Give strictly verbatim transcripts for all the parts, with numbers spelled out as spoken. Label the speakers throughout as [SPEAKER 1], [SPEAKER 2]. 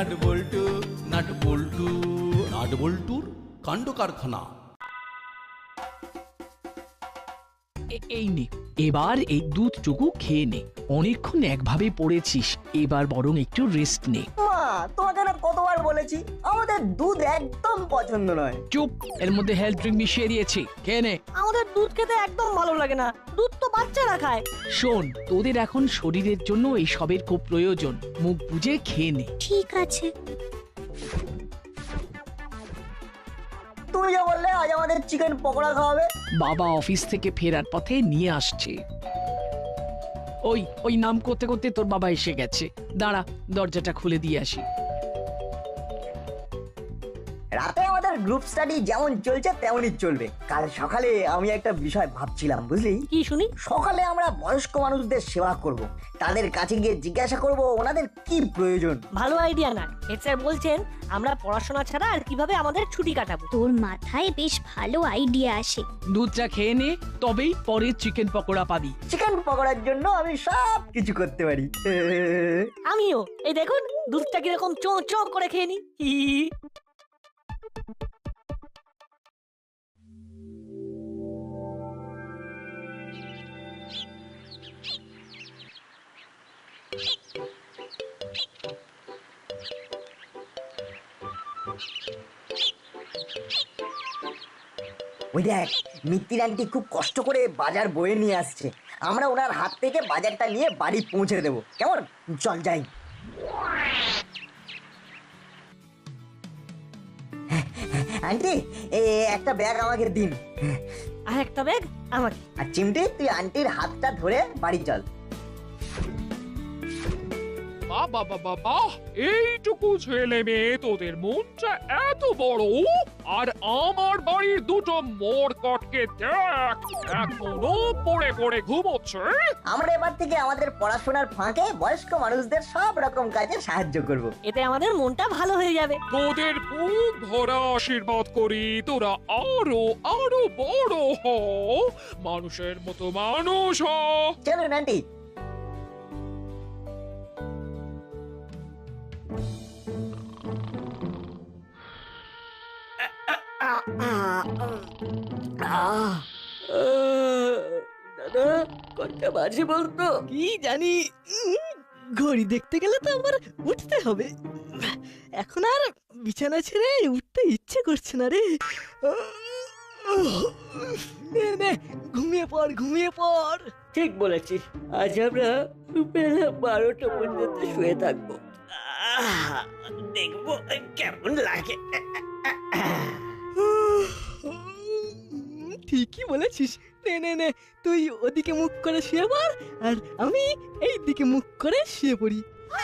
[SPEAKER 1] Nut bolt nut bolt nut বল্টুর কাণ্ড কারখানা।
[SPEAKER 2] এই নে, এবার এই দুধটুকু খেয়ে নে। অনেকক্ষণ একভাবে পড়েছিস, এবার বরং একটু রেস্ট নে।
[SPEAKER 3] মা, তোমাকে না কতবার বলেছি আমাদের দুধ একদম পছন্দ নয়।
[SPEAKER 2] চুপ, এর মধ্যে হেলথ ড্রিঙ্ক মিশিয়ে দিয়েছি, খেয়ে নে।
[SPEAKER 4] আমাদের দুধ খেতে একদম ভালো লাগে না, দুধ তো বাচ্চারা খায়।
[SPEAKER 2] শোন, তোদের এখন শরীরের জন্য এই সবের খুব প্রয়োজন, মুখ বুজে খেয়ে নে।
[SPEAKER 5] ঠিক আছে।
[SPEAKER 3] তুমি যা বললে আজ আমাদের চিকেন পকোড়া খাওয়াবে।
[SPEAKER 2] বাবা অফিস থেকে ফেরার পথে নিয়ে আসছে। ওই ওই নাম করতে করতে তোর বাবা এসে গেছে, দাঁড়া দরজাটা খুলে দিয়ে আসি।
[SPEAKER 3] রাতে আমাদের গ্রুপ স্টাডি যেমন চলছে তেমনই চলবে। কাল সকালে আমি একটা বিষয় ভাবছিলাম, বুঝলি?
[SPEAKER 4] কি শুনি?
[SPEAKER 3] সকালে আমরা বয়স্ক মানুষদের সেবা করব, তাদের কাছে গিয়ে জিজ্ঞাসা করব ওনাদের কি প্রয়োজন।
[SPEAKER 4] ভালো আইডিয়া না? হেড স্যার বলছেন আমরা পড়াশোনা ছাড়া আর কিভাবে আমাদের ছুটি কাটাবো।
[SPEAKER 5] তোর মাথায় বেশ ভালো আইডিয়া আসে।
[SPEAKER 2] দুধটা খেয়ে নে, তবেই পরে চিকেন পকোড়া পাবি।
[SPEAKER 3] চিকেন পকোড়ার জন্য আমি সব কিছু করতে পারি।
[SPEAKER 4] আমিও। এই দেখুন দুধটা কিরকম চো চো করে খেয়ে নি। হি হি।
[SPEAKER 3] ওই দেখ, মিত্তির আন্টি খুব কষ্ট করে বাজার বয়ে নিয়ে আসছে। আমরা ওনার হাত থেকে বাজারটা নিয়ে বাড়ি পৌঁছে দেবো, কেমন? চল যাই। আন্টি, এ একটা ব্যাগ আমাকে দিন।
[SPEAKER 4] আর একটা ব্যাগ আমাকে।
[SPEAKER 3] আর চিমটি, তুই আন্টির হাতটা ধরে বাড়ি চল।
[SPEAKER 6] বাবা বাবা বাহ, এইটুকু ছেলে মেয়ে তোদের মনটা এত বড়, আর আমার বাড়ির দুটো মোড়কটকে দেখ এখনো পড়ে পড়ে ঘুমোচ্ছে।
[SPEAKER 3] আমরা এবার থেকে আমাদের পড়াশোনার ফাঁকে বয়স্ক মানুষদের সব রকম কাজে সাহায্য করব।
[SPEAKER 4] এতে আমাদের মনটা ভালো হয়ে যাবে।
[SPEAKER 6] তোদের বুক ভরা আশীর্বাদ করি, তোরা আরো আরো বড় হ, মানুষের মতো মানুষ হ।
[SPEAKER 3] চলুন আন্টি।
[SPEAKER 4] দাদা কটা বাজে বলতো?
[SPEAKER 7] কি জানি, ঘড়ি দেখতে গেলে তো আবার উঠতে হবে। এখন আর বিছানা ছেড়ে উঠতে ইচ্ছে করছে না রে। নে নে, ঘুমিয়ে পড় ঘুমিয়ে পড়।
[SPEAKER 4] ঠিক বলেছিস, আজ আমরা বেলা বারোটা পর্যন্ত শুয়ে থাকবো। দেখবো কেমন লাগে।
[SPEAKER 7] ঠিকই বলেছিস। নে নে নে, তুই ওদিকে মুখ করে শুয়ে পড়, আর আমি এই দিকে মুখ করে শুয়ে পড়ি।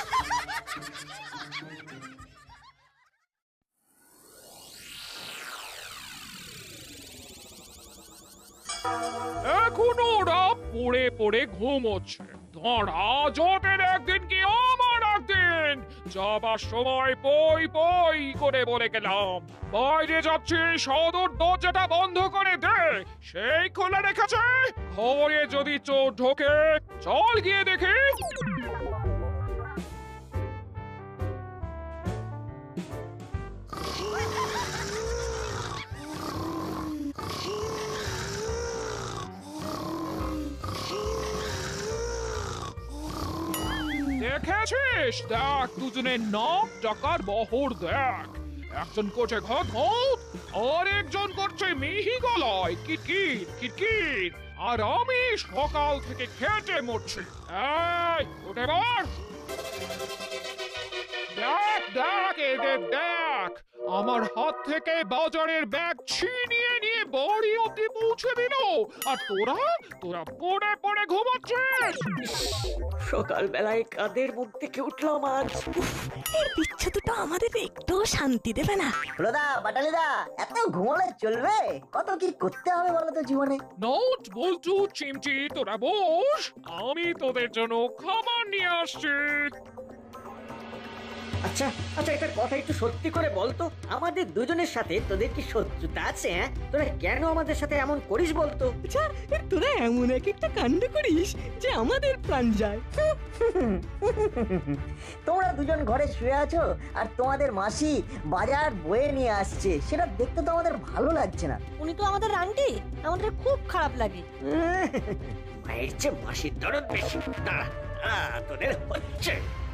[SPEAKER 6] এখনো ওরা পড়ে পড়ে ঘুমোচ্ছে। ধরা যতের একদিন কি আমার একদিন, যাবার সময় পই পই করে বলে গেলাম বাইরে যাচ্ছি, সদর দরজাটা বন্ধ করে দে। সেই খোলা রেখেছে, ঘরে যদি চোর ঢোকে চল গিয়ে দেখি। দেখেছিস? দেখ দুজনের নাম টাকার বহর দেখ। একজন করছে ঘট ঘট, আর একজন করছে মিহি গলায় কিটকিট কিটকিট, আর আমি সকাল থেকে খেটে মরছি। এই উঠে বল। দেখ দেখ এদের দেখ, আমার হাত থেকে বাজারের ব্যাগ ছিনিয়ে নিয়ে বাড়ি অব্দি পৌঁছে দিল, আর তোরা তোরা পড়ে পড়ে ঘুমাচ্ছিস।
[SPEAKER 4] সকালবেলায় কাদের মুখ থেকে উঠলাম আজ।
[SPEAKER 7] এই বিচ্ছেদটা আমাদের একটু শান্তি দেবে না।
[SPEAKER 3] হলোদা, বাটালিদা, এত ঘুমোলে চলবে? কত কি করতে হবে বলো তো জীবনে।
[SPEAKER 6] নোট বলছু চিমচি, তোরা বস, আমি তোদের জন্য খাবার নিয়ে আসছি।
[SPEAKER 4] আচ্ছা আচ্ছা একটা কথা একটু সত্যি করে বলতো, আমাদের দুজনের সাথে তোদের কি শত্রুতা আছে? হ্যাঁ, তোরা কেন আমাদের সাথে এমন করিস বলতো?
[SPEAKER 7] আচ্ছা তোরা এমন এক একটা কাণ্ড করিস যে আমাদের প্রাণ যায়।
[SPEAKER 3] তোমরা দুজন ঘরে শুয়ে আছো আর তোমাদের মাসি বাজার বয়ে নিয়ে আসছে, সেটা দেখতে তো আমাদের ভালো লাগছে না।
[SPEAKER 8] উনি তো আমাদের আন্টি, আমাদের খুব খারাপ লাগে।
[SPEAKER 4] মায়ের চেয়ে মাসির দরদ বেশি। দাঁড়া, দাঁড়া, তোদের হচ্ছে।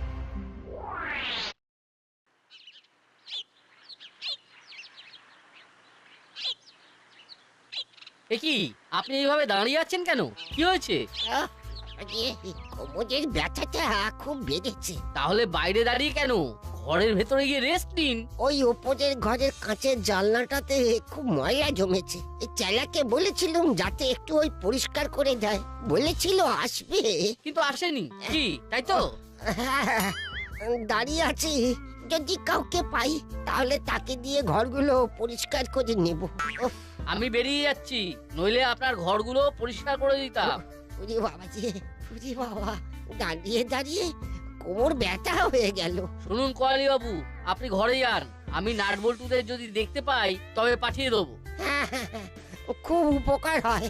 [SPEAKER 9] এ কি, আপনি এইভাবে দাঁড়িয়ে আছেন কেন? কি হয়েছে?
[SPEAKER 10] কোমরের ব্যথাটা খুব বেড়েছে।
[SPEAKER 9] তাহলে বাইরে দাঁড়িয়ে কেন? ঘরের ভেতরে গিয়ে রেস্ট নিন।
[SPEAKER 10] ওই ওপরের ঘরের কাঁচের জানলাটাতে খুব ময়লা জমেছে। এই চেলাকে বলেছিলাম যাতে একটু ওই পরিষ্কার করে দেয়, বলেছিল আসবে,
[SPEAKER 9] কিন্তু আসেনি। কি তাই তো?
[SPEAKER 10] দাঁড়িয়ে আছি, যদি কাউকে পাই তাহলে তাকে দিয়ে ঘরগুলো পরিষ্কার করে নেব। উফ,
[SPEAKER 9] আমি বেরিয়ে যাচ্ছি, নইলে আপনার ঘরগুলো পরিষ্কার করে দিতাম।
[SPEAKER 10] ওরে বাবা যে, ওরে বাবা, দাঁড়িয়ে দাঁড়িয়ে কোমর ব্যথা হয়ে গেল।
[SPEAKER 9] শুনুন কয়ালি বাবু, আপনি ঘরে যান। আমি নাটবল্টুদের যদি দেখতে পাই তবে পাঠিয়ে দেবো।
[SPEAKER 10] হ্যাঁ হ্যাঁ হ্যাঁ, খুব উপকার হয়।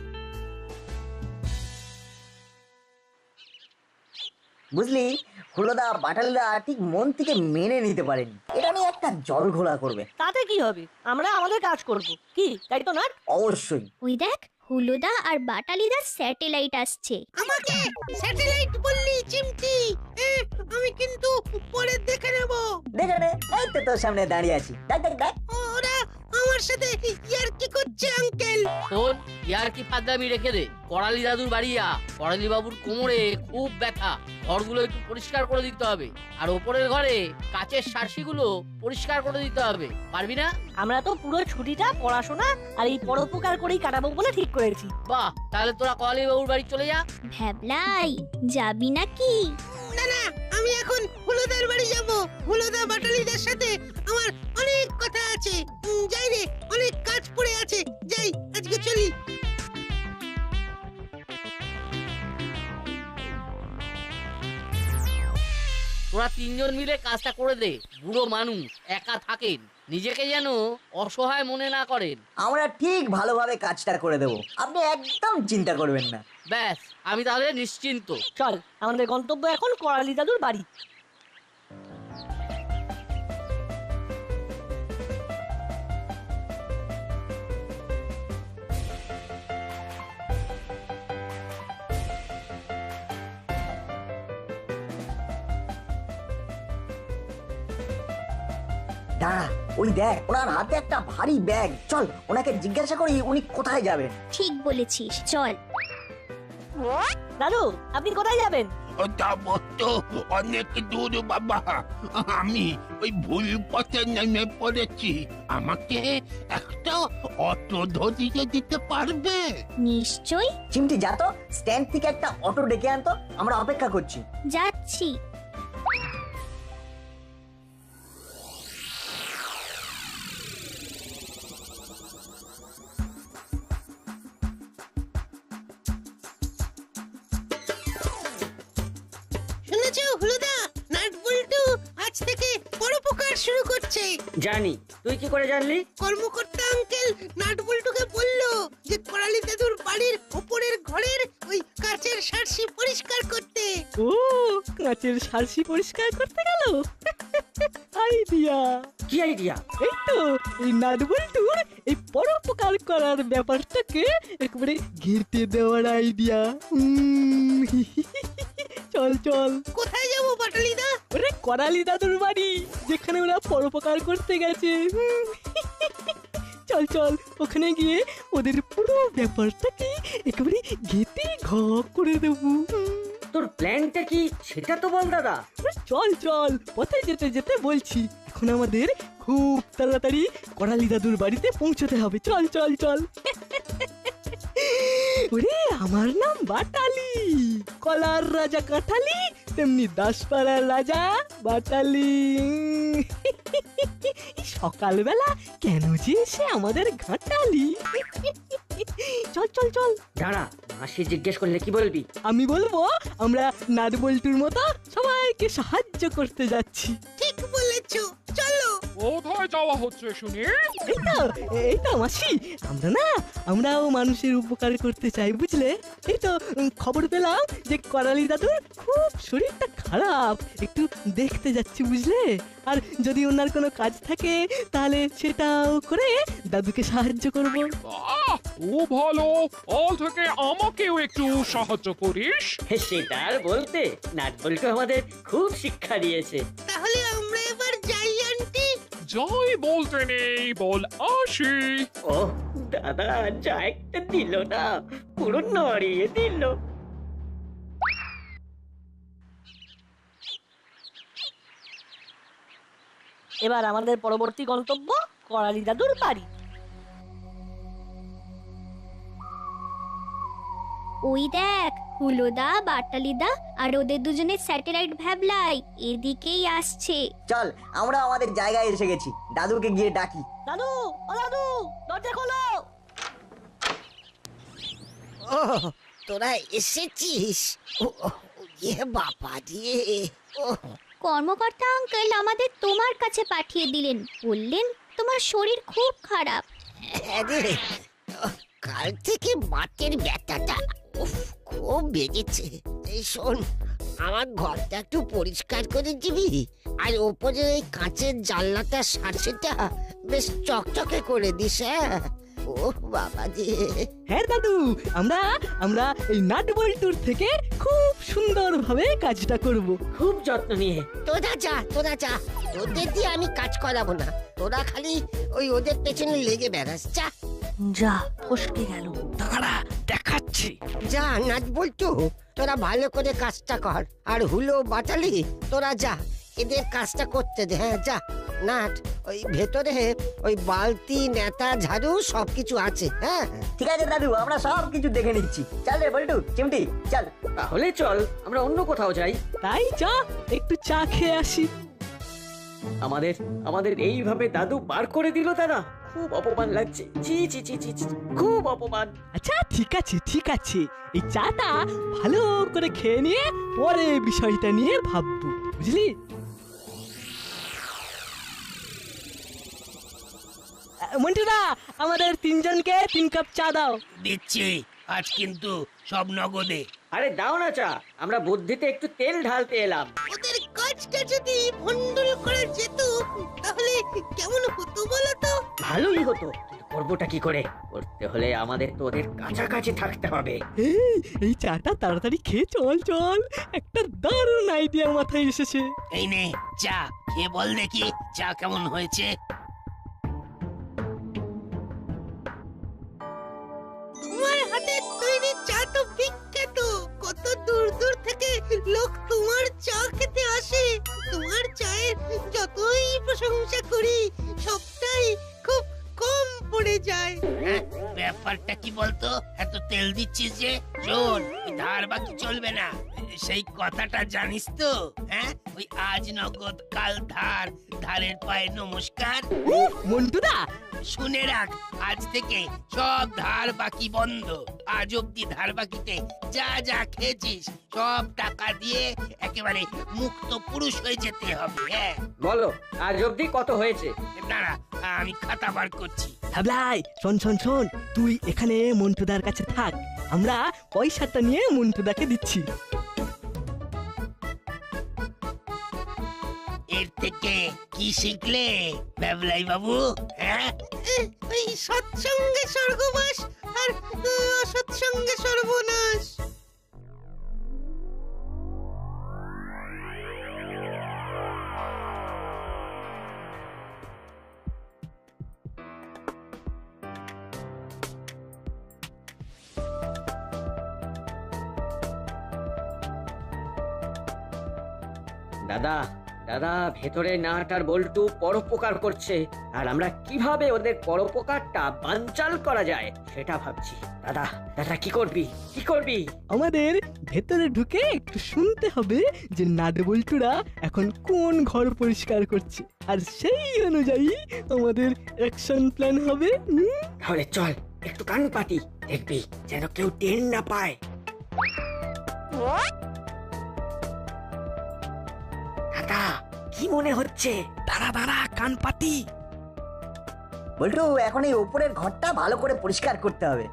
[SPEAKER 3] বুঝলি, হুলোদা বাটালিদা ঠিক মন থেকে মেনে নিতে পারেনি, এটা নিয়ে একটা জল ঘোলা করবে।
[SPEAKER 8] তাতে কি হবে, আমরা আমাদের কাজ করব। কি তাই তো না?
[SPEAKER 3] অবশ্যই।
[SPEAKER 5] ওই দেখ, হুলোদা আর বাটালিদার স্যাটেলাইট আসছে।
[SPEAKER 10] আমাকে স্যাটেলাইট বললি চিমটি? আমি কিন্তু পরে দেখে নেব।
[SPEAKER 3] দেখে নে, এই তো তোর সামনে দাঁড়িয়ে আছি, দেখ দেখ দেখ।
[SPEAKER 10] ওরা আমার সাথে ইয়ার কি করছে আঙ্কেল?
[SPEAKER 9] শোন, ইয়ার কি পাগলামি রেখে দে। করালি দাদুর বাড়িয়া, করালি বাবুর কোমরে খুব ব্যথা, ঘরগুলো একটু পরিষ্কার করে দিতে হবে। আর ওপরের ঘরে কাচের সার্সিগুলো পরিষ্কার করে দিতে হবে। পারবি না?
[SPEAKER 8] আমরা তো পুরো ছুটিটা পড়াশোনা আর এই পরোপকার করেই কাটাবো বলে ঠিক করেছি।
[SPEAKER 9] বাহ, তাহলে তোরা করালি বাবুর বাড়ি চলে যা।
[SPEAKER 5] ভ্যাবলাই, যাবি নাকি?
[SPEAKER 10] না না, আমি এখন হুলোদার বাড়ি যাব। হুলোদা বাটালিদের সাথে আমার অনেক কথা আছে। উম, যাই রে, অনেক কাজ পড়ে আছে। যাই, আজকে চলি।
[SPEAKER 9] তোরা তিনজন মিলে কাজটা করে দে। বুড়ো মানুষ একা থাকেন, নিজেকে যেন অসহায় মনে না করেন।
[SPEAKER 3] আমরা ঠিক ভালোভাবে কাজটা করে দেবো, আপনি একদম চিন্তা করবেন না।
[SPEAKER 9] ব্যাস, আমি তাহলে নিশ্চিন্ত।
[SPEAKER 8] চল, আমাদের গন্তব্য এখন করালি দাদুর বাড়ি।
[SPEAKER 3] দাঁড়া, ওই দেখ, ওনার হাতে একটা ভারী ব্যাগ। চল ওনাকে জিজ্ঞাসা করি উনি কোথায় যাবেন।
[SPEAKER 5] ঠিক বলেছিস, চল।
[SPEAKER 8] দাদু, আপনি কোথায় যাবেন?
[SPEAKER 11] যাবো তো অনেক দূর বাবা, আমি ওই ভুল পথে নেমে পড়েছি। আমাকে একটা অটো ধরিয়ে দিতে পারবে?
[SPEAKER 5] নিশ্চয়
[SPEAKER 3] চিমটি যা তো, স্ট্যান্ড থেকে একটা অটো ডেকে আনতো, আমরা অপেক্ষা করছি।
[SPEAKER 5] যাচ্ছি।
[SPEAKER 10] শুনেছো হুলোদা, নাটবল্টু আজ থেকে পরোপকার শুরু করছে।
[SPEAKER 4] জানি, তুই কি করে জানলি?
[SPEAKER 10] কর্মকর্তা আঙ্কেল নাটবল্টুকে বললো যে করালি দাদুর বাড়ির ওপরের ঘরের ওই কাচের সার্সি পরিষ্কার করতে।
[SPEAKER 7] ও, কাঁচের সার্সি পরিষ্কার করতে গেল। আইডিয়া।
[SPEAKER 4] কি আইডিয়া?
[SPEAKER 7] এই তো, এই নাটবল্টুর এই পরোপকার করার ব্যাপারটাকে একবারে ঘেঁটে দেওয়ার আইডিয়া। চল চল।
[SPEAKER 10] কোথায় যাবো বাটালিদা?
[SPEAKER 7] ওরে করালি দাদুর বাড়ি, যেখানে ওরা পরোপকার করতে গেছে। চল চল, ওখানে গিয়ে ওদের পুরো ব্যাপারটাকে একেবারে ঘেঁটে ঘ করে দেবো।
[SPEAKER 4] তোর প্ল্যানটা কি সেটা তো বল দাদা।
[SPEAKER 7] চল চল, পথে যেতে যেতে বলছি। এখন আমাদের খুব তাড়াতাড়ি করালি দাদুর বাড়িতে পৌঁছতে হবে। চল চল চল। ওরে, আমার নাম বাটালি, কলার রাজা কাঠালি, তেমনি দাসপাড়ার রাজা বাটালি। সকালবেলা কেন যে সে আমাদের ঘাটালি। চল চল চল।
[SPEAKER 4] দাঁড়া, মাসি জিজ্ঞেস করলে কি বলবি?
[SPEAKER 7] আমি বলবো আমরা নাটবল্টুর মতো সবাইকে সাহায্য করতে যাচ্ছি।
[SPEAKER 10] ঠিক বলে বলেছো চলো।
[SPEAKER 6] কোথায় যাওয়া হচ্ছে শুনি?
[SPEAKER 7] এই তো এই তো মাসি, আমরা না আমরাও মানুষের উপকার করতে চাই বুঝলে। এই তো উম, খবর পেলাম যে করালি দাদুর খুব শরীরটা খারাপ, একটু দেখতে যাচ্ছি বুঝলে। আর যদি ওনার কোনো কাজ থাকে তাহলে সেটাও করে দাদুকে সাহায্য করব।
[SPEAKER 6] বাহ, খুব ভালো। অল থেকে আমাকেও একটু সাহায্য করিস।
[SPEAKER 4] সেটা আর বলতে, নাট বল্টু আমাদের খুব শিক্ষা দিয়েছে।
[SPEAKER 10] তাহলে আমরা এবার যাই আন্টি।
[SPEAKER 6] যাই বলতে নেই, বল আসি।
[SPEAKER 4] ও দাদা, যা একটা দিল না, পুরো নড়িয়ে দিল।
[SPEAKER 8] এবার আমাদের পরবর্তী গন্তব্য করালি দাদুর বাড়ি।
[SPEAKER 5] ওই দেখ, হুলোদা, বাটালিদা আর ওদের দুজনের স্যাটেলাইট ভ্যাবলাই এদিকেই আসছে।
[SPEAKER 3] চল, আমরা আমাদের জায়গায় এসে গেছি, দাদুকে গিয়ে ডাকি।
[SPEAKER 8] দাদু, ও দাদু, দরজা খোলো।
[SPEAKER 10] ও তোরা এসেছিস? ও ইয়ে বাবা দিয়ে। ও
[SPEAKER 5] কর্মকর্তা আঙ্কেল আমাদের তোমার কাছে পাঠিয়ে দিলেন, বললেন তোমার শরীর খুব খারাপ।
[SPEAKER 10] আরে কাল থেকে বাতের ব্যথাটা উফ খুব বেড়েছে। এই শোন, আমার ঘরটা একটু পরিষ্কার করে দিবি, আর ওপরে ওই কাঁচের জানলাটা সার্সেটা বেশ চকচকে করে দিস। হ্যাঁ ও বাবা রে।
[SPEAKER 7] হ্যাঁ দাদু, আমরা আমরা এই নাট বল্টুর থেকে খুব সুন্দরভাবে কাজটা করব।
[SPEAKER 4] খুব যত্ন নিয়ে।
[SPEAKER 10] তোরা যা তোরা যা, তোদের দিয়ে আমি কাজ করাবো না। তোরা খালি ওই ওদের পেছনে লেগে বেড়াস। যা
[SPEAKER 8] যা, ফসকে গেল।
[SPEAKER 2] দাঁড়া, দেখাচ্ছি।
[SPEAKER 10] যা নাট বল্টু, তোরা ভালো করে কাজটা কর। আর হুলো বাটালি, তোরা যা এদের কাজটা করতে দে। হ্যাঁ যা। নাট, ওই ভেতরে ওই বালতি, নেতা, ঝাড়ু সবকিছু আছে। হ্যাঁ
[SPEAKER 3] ঠিক আছে দাদু, আমরা সব কিছু দেখে নিচ্ছি। চল রে বল্টু, চিমটি চল।
[SPEAKER 4] তাহলে চল আমরা অন্য কোথাও যাই।
[SPEAKER 7] তাই চা একটু চা খেয়ে আসি।
[SPEAKER 4] আমাদের আমাদের এইভাবে দাদু বার করে দিল দাদা, খুব অপমান লাগছে। জি জি জি জি জি, খুব অপমান।
[SPEAKER 7] আচ্ছা ঠিক আছে ঠিক আছে, এই চাটা ভালো করে খেয়ে নিয়ে পরে বিষয়টা নিয়ে ভাববো বুঝলি। মন্টুদা, আমাদের তিনজনকে তিন কাপ চা দাও।
[SPEAKER 11] দিচ্ছি, আজ কিন্তু সব নগদে।
[SPEAKER 4] আরে দাও না চা, আমরা বুদ্ধিতে একটু তেল ঢালতে এলাম।
[SPEAKER 10] ওদের কাজটা যদি ভন্ডল করা যেত তাহলে কেমন হতো বলো তো?
[SPEAKER 4] ভালোই হতো, করবোটা কি করে? করতে হলে আমাদের তো ওদের কাছাকাছি থাকতে হবে।
[SPEAKER 7] এই, এই চাটা তাড়াতাড়ি খেয়ে চল চল, একটা দারুণ আইডিয়া মাথায় এসেছে।
[SPEAKER 11] এই নে চা, খেয়ে বল দেখি চা কেমন হয়েছে।
[SPEAKER 10] তোমার হাতের তৈরি চা তো বিখ্যাত, কত দূর দূর থেকে লোক তোমার চা খেতে আসে। তোমার চায়ের যতই প্রশংসা করি সবটাই খুব কম পড়ে যায়।
[SPEAKER 11] হ্যাঁ, ব্যাপারটা কি বলতো? এত তেল দিচ্ছিস যে, শোন, ওই ধার বাকি চলবে না, সেই কথাটা জানিস তো? হ্যাঁ, ওই আজ নগদ কাল ধার, ধারের পায়ে নমস্কার।
[SPEAKER 7] মন্টুদা,
[SPEAKER 11] শুনে রাখ, আজ থেকে সব ধার বাকি বন্ধ। আজ অব্দি ধার বাকিতে যা যা খেয়েছিস সব টাকা দিয়ে একেবারে মুক্ত পুরুষ হয়ে যেতে হবে। হ্যাঁ,
[SPEAKER 4] বলো আজ অব্দি কত হয়েছে?
[SPEAKER 11] দাঁড়া, আমি খাতা বার করছি।
[SPEAKER 7] ভাবলাই, শোন শোন শোন, তুই এখানে মন্টুদার কাছে থাক, আমরা পয়সাটা নিয়ে মন্টুদাকে দিচ্ছি।
[SPEAKER 11] এর থেকে কি শিখলে বাবলাই বাবু? হ্যাঁ,
[SPEAKER 10] ওই সৎসঙ্গে স্বর্গবাস আর অসৎসঙ্গে সর্বনাশ।
[SPEAKER 4] দাদা দাদা, ভেতরে নাট আর বল্টু পরোপকার করছে, আর আমরা কিভাবে ওদের পরোপকারটা বানচাল করা যায় সেটা ভাবছি। দাদা দাদা কি করবি কি করবি?
[SPEAKER 7] আমাদের ভেতরে ঢুকে একটু শুনতে হবে যে নাট বল্টুরা এখন কোন ঘর পরিষ্কার করছে, আর সেই অনুযায়ী আমাদের অ্যাকশন প্ল্যান হবে। হুম?
[SPEAKER 4] তাহলে চল একটু কান পাতি, দেখবি যেন কেউ টের না পায়। দাদা কি মনে হচ্ছে?
[SPEAKER 7] দাঁড়া দাঁড়া কান পাতি।
[SPEAKER 3] বল্টু, এখন এই ওপরের ঘরটা ভালো করে পরিষ্কার করতে হবে।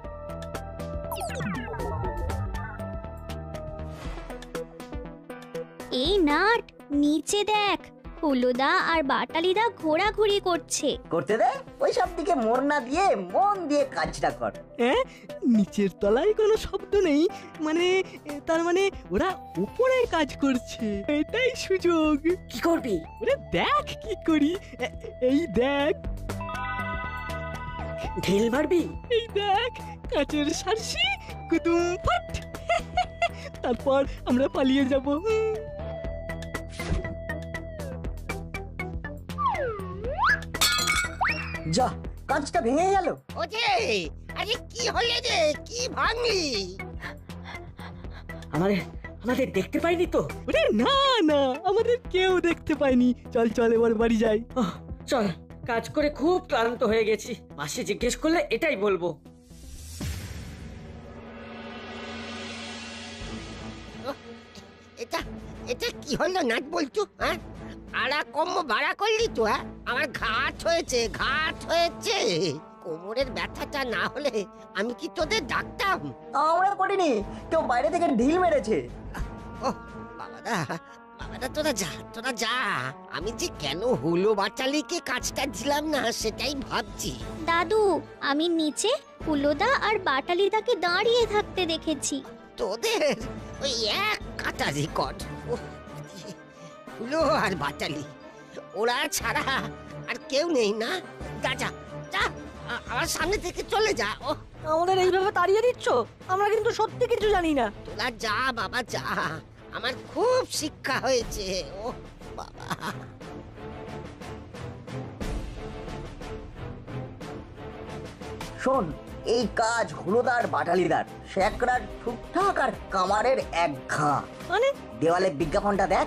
[SPEAKER 5] এই নাট, নিচে দেখ, হুলোদা আর বাটালিদা ঘোরাঘুরি করছে।
[SPEAKER 3] করতে দে, ওই সব দিকে মন না দিয়ে মন দিয়ে কাজটা কর।
[SPEAKER 7] হ্যাঁ, নিচের তলায় কোনো শব্দ নেই, মানে এ, তার মানে ওরা উপরে কাজ করছে, এটাই সুযোগ।
[SPEAKER 4] কি করবি?
[SPEAKER 7] ওরে দেখ কি করি, এ- এই দেখ,
[SPEAKER 4] ঢিল মারবি?
[SPEAKER 7] এই দেখ, কাচের সারসি কুতুম ফাট। তারপর আমরা পালিয়ে যাব। হুম।
[SPEAKER 3] যা, কাঁচটা ভেঙে গেল।
[SPEAKER 10] ওজে, আরে কি হলে রে, কি ভাঙলি?
[SPEAKER 4] আমাদের আমাদের দেখতে পাইনি তো?
[SPEAKER 7] ওরে না না, আমাদের কেউ দেখতে পায়নি। চল চল এবার বাড়ি যাই।
[SPEAKER 4] আহ, চল, কাজ করে খুব ক্লান্ত হয়ে গেছি। মাসি জিজ্ঞেস করলে এটাই বলবো।
[SPEAKER 10] এটা এটা কি হলো নাট বলছো? হ্যাঁ, আড়া কম ভাড়া করলি তো? হ্যাঁ, আমার ঘাট হয়েছে, ঘাট হয়েছে। কোমরের ব্যথাটা না হলে আমি কি তোদের ডাকতাম?
[SPEAKER 3] আমরা করিনি, কেউ বাইরে থেকে ঢিল মেরেছে।
[SPEAKER 10] ও বাবাদা, বাবাদা তোরা যা, তোরা যা। আমি যে কেন হুলো বাচালিকে কাজটা দিলাম না সেটাই ভাবছি।
[SPEAKER 5] দাদু, আমি নিচে হুলোদা আর বাটালিদাকে দাঁড়িয়ে থাকতে দেখেছি।
[SPEAKER 10] তোদের ওই এক কাটা রেকর্ড। হুলো আর বাটালি, ওরা ছাড়া আর কেউ নেই না? যা যা যা, আ- আমার সামনে থেকে চলে যা। ও
[SPEAKER 8] আমাদের এইভাবে তাড়িয়ে দিচ্ছ? আমরা কিন্তু সত্যি কিছু জানি না।
[SPEAKER 10] তোরা যা বাবা যা, আমার খুব শিক্ষা হয়েছে। ও বাবা,
[SPEAKER 3] শোন, এই কাজ হুলোদার বাটালিদার, শেকরার ঠুকঠাক আর কামারের এক ঘা।
[SPEAKER 8] মানে?
[SPEAKER 3] দেওয়ালে বিজ্ঞাপনটা দেখ।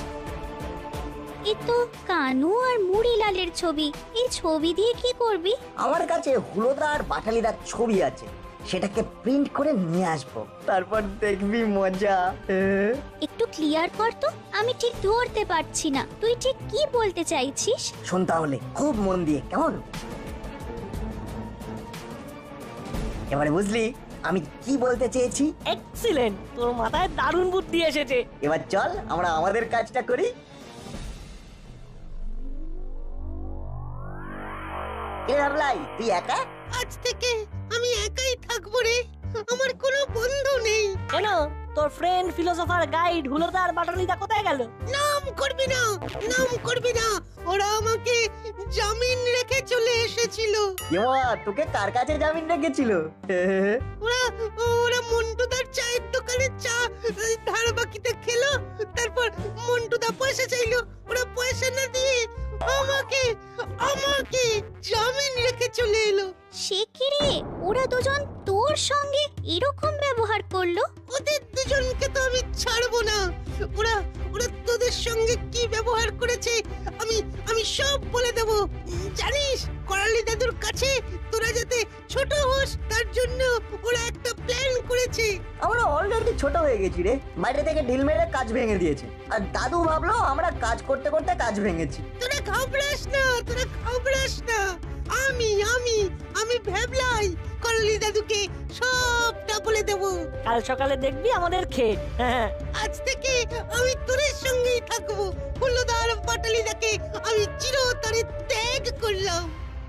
[SPEAKER 5] এ তো কানু আর মুড়িলালের ছবি। এই ছবি দিয়ে কি করবি?
[SPEAKER 3] আমার কাছে হুলোদা আর বাটালিদার ছবি আছে, সেটাকে প্রিন্ট করে নিয়ে আসবো, তারপর দেখবি মজা।
[SPEAKER 5] একটু ক্লিয়ার কর তো, আমি ঠিক ধরতে পারছি না তুই ঠিক কি বলতে চাইছিস।
[SPEAKER 3] শোন তাহলে খুব মন দিয়ে, কেমন? এবারে বুঝলি আমি কি বলতে চেয়েছি?
[SPEAKER 8] এক্সিলেন্ট, তোর মাথায় দারুণ বুদ্ধি এসেছে।
[SPEAKER 3] এবার চল আমরা আমাদের কাজটা করি। এ ভাবলাই, তুই একা?
[SPEAKER 10] আজ থেকে আমি একাই থাকবো রে, আমার কোনো বন্ধু নেই।
[SPEAKER 8] কেন, তোর ফ্রেন্ড ফিলোসোফার গাইড হুলোদা আর বাটালিদা কোথায় গেল?
[SPEAKER 10] নাম করবি না, নাম করবি না, ওরা আমাকে জামিন রেখে চলে এসেছিল।
[SPEAKER 3] এমা, তোকে কার কাছে জামিন রেখেছিল?
[SPEAKER 10] ওরা ওরা মন্টুদার চায়ের দোকানে চা ধার বাকিতে খেলো, তারপর মন্টুদা পয়সা চাইলো, ওরা পয়সা না দিয়ে আমাকে আমাকে জামিন রেখে চলে এলো।
[SPEAKER 5] সে কি রে, ওরা দুজন তোর সঙ্গে এরকম ব্যবহার করলো?
[SPEAKER 10] ওদের দুজনকে তো আমি ছাড়বো না। ওরা ওরা তোদের সঙ্গে কি ব্যবহার করেছে আমি আমি সব বলে দেব। জানিস, করালি দাদুর কাছে তোরা যাতে ছোট হোস তার জন্য ওরা একটা প্ল্যান করেছে।
[SPEAKER 3] আমরা অলরেডি ছোট হয়ে গেছি রে, বাইরে থেকে ঢিল মেরে কাজ ভেঙে দিয়েছে, আর দাদু ভাবলো আমরা কাজ করতে করতে কাজ ভেঙেছি।
[SPEAKER 10] তোরা ঘাবড়াস না, তোরা ঘাবড়াস না। আমি আমি আমি ভেবলাই করালি দাদুকে সবটা বলে দেব।
[SPEAKER 8] কাল সকালে দেখবি আমাদের ক্ষেত। হ্যাঁ,
[SPEAKER 10] আজ থেকে আমি তোদের সঙ্গেই থাকবো। হুলোদার বাটালিদাকে আমি চিরতরে ত্যাগ করলাম।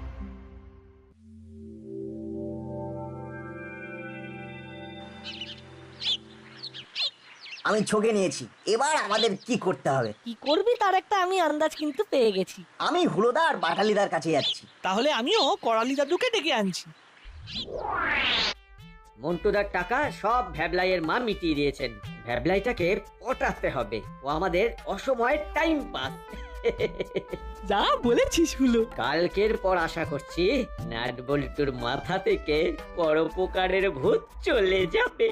[SPEAKER 3] আমি ছকে নিয়েছি, এবার আমাদের কি করতে হবে?
[SPEAKER 8] কি করবি তার একটা আমি আন্দাজ কিন্তু পেয়ে গেছি।
[SPEAKER 3] আমি হুলোদা আর বাটালিদার কাছে যাচ্ছি।
[SPEAKER 7] তাহলে আমিও করালি দাদুকে ডেকে আনছি।
[SPEAKER 4] মন্টুদার টাকা সব ভ্যাবলাইয়ের মা মিটিয়ে দিয়েছেন। ভ্যাবলাইটাকে পটাতে হবে, ও আমাদের অসময়ের টাইম পাস।
[SPEAKER 7] যা বলেছিস হলো।
[SPEAKER 4] কালকের পর আশা করছি নাট বল্টুর মাথা থেকে পরোপকারের ভূত চলে যাবে।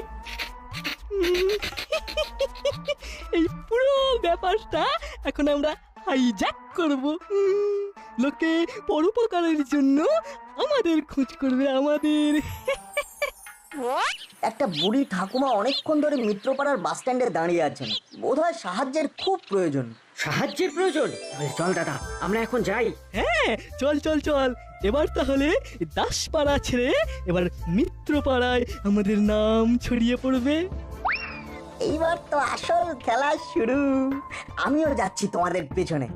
[SPEAKER 7] এই পুরো ব্যাপারটা এখন আমরা হাইজ্যাক করব। উম, লোকে পরোপকারের জন্য আমাদের খোঁজ করবে, আমাদের।
[SPEAKER 3] একটা বুড়ি ঠাকুমা অনেকক্ষণ ধরে মিত্রপাড়ার বাস স্ট্যান্ডে দাঁড়িয়ে আছেন, বোধহয় সাহায্যের খুব প্রয়োজন।
[SPEAKER 4] সাহায্যের প্রয়োজন? তাহলে চল দাদা, আমরা এখন যাই।
[SPEAKER 7] হ্যাঁ চল চল চল, এবার তাহলে দাসপাড়া ছেড়ে এবার মিত্রপাড়ায় আমাদের নাম ছড়িয়ে পড়বে।
[SPEAKER 3] এইবার তো আসল খেলা শুরু। আমিও যাচ্ছি তোমাদের পেছনে।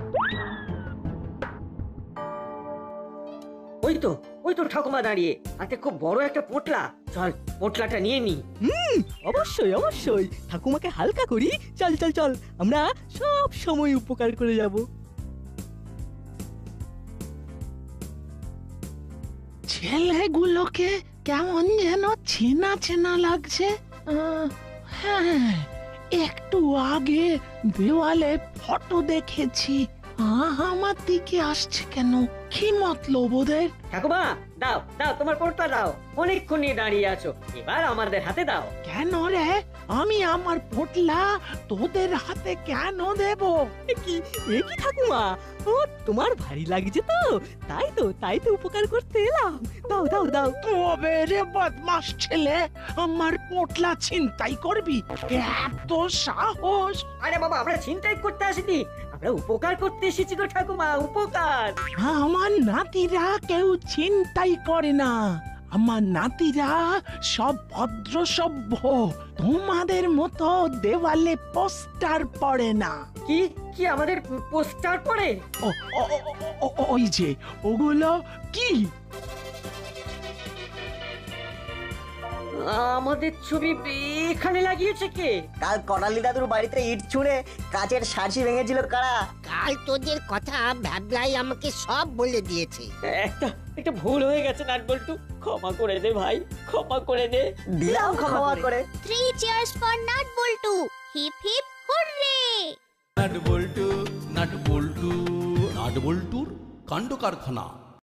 [SPEAKER 4] ওই তো ওই তো ঠাকুমা দাঁড়িয়ে, হাতে খুব বড় একটা পোটলা। চল পোটলাটা নিয়ে নি।
[SPEAKER 7] হুম অবশ্যই অবশ্যই, ঠাকুমাকে হালকা করি। চল চল চল, আমরা সব সময় উপকার করে যাব।
[SPEAKER 2] ছেলেগুলোকে কেমন যেন চেনা চেনা লাগছে। আহ, হ্যাঁ, একটু আগে দেওয়ালে ফটো দেখেছি। আহ, আমার দিকে আসছে কেন? কি মতলব ওদের?
[SPEAKER 4] ঠাকুমা দাও দাও, তোমার পোটলা দাও। অনেকক্ষণ নিয়ে দাঁড়িয়ে আছো, এবার আমাদের হাতে দাও।
[SPEAKER 2] কেন রে? আমি আমার পোটলা তোদের হাতে কেন দেব?
[SPEAKER 7] এ কি এ কি ঠাকুমা, ও তোমার ভারী লাগছে তো, তাই তো তাই তো উপকার করতে এলাম। দাও দাও দাও।
[SPEAKER 2] তবে রে বদমাস ছেলে, আমার পোটলা ছিনতাই করবি? এত সাহস!
[SPEAKER 4] আরে বাবা, আমরা ছিনতাই করতে আসিনি, আমরা উপকার করতে এসেছি গো ঠাকুমা, উপকার।
[SPEAKER 2] আমার নাতিরা কেউ ছিনতাই করে না। আমার নাতিরা সব ভদ্র সভ্য, তোমাদের মতো দেওয়ালে পোস্টার পড়ে না।
[SPEAKER 4] কি কি আমাদের পোস্টার পড়ে?
[SPEAKER 2] ও, ও, ও, ও, ও, ওই যে ওগুলো কি?
[SPEAKER 4] আমাদের ছবি এখানে লাগিয়েছে কে?
[SPEAKER 3] কাল করালি দাদুর বাড়িতে ইট ছুঁড়ে কাচের সার্সি ভেঙেছিল কারা?
[SPEAKER 10] কাল তোদের কথা ভ্যাবলাই আমাকে সব বলে দিয়েছে।
[SPEAKER 4] একটা একটা ভুল হয়ে গেছে নাটবল্টু, ক্ষমা করে দে ভাই, ক্ষমা করে দে।
[SPEAKER 3] দিলাম ক্ষমা করে।
[SPEAKER 5] Three cheers for nut bolt, hip hip hurray.
[SPEAKER 1] Nut bolt nut bolt nut বল্টুর কাণ্ড কারখানা।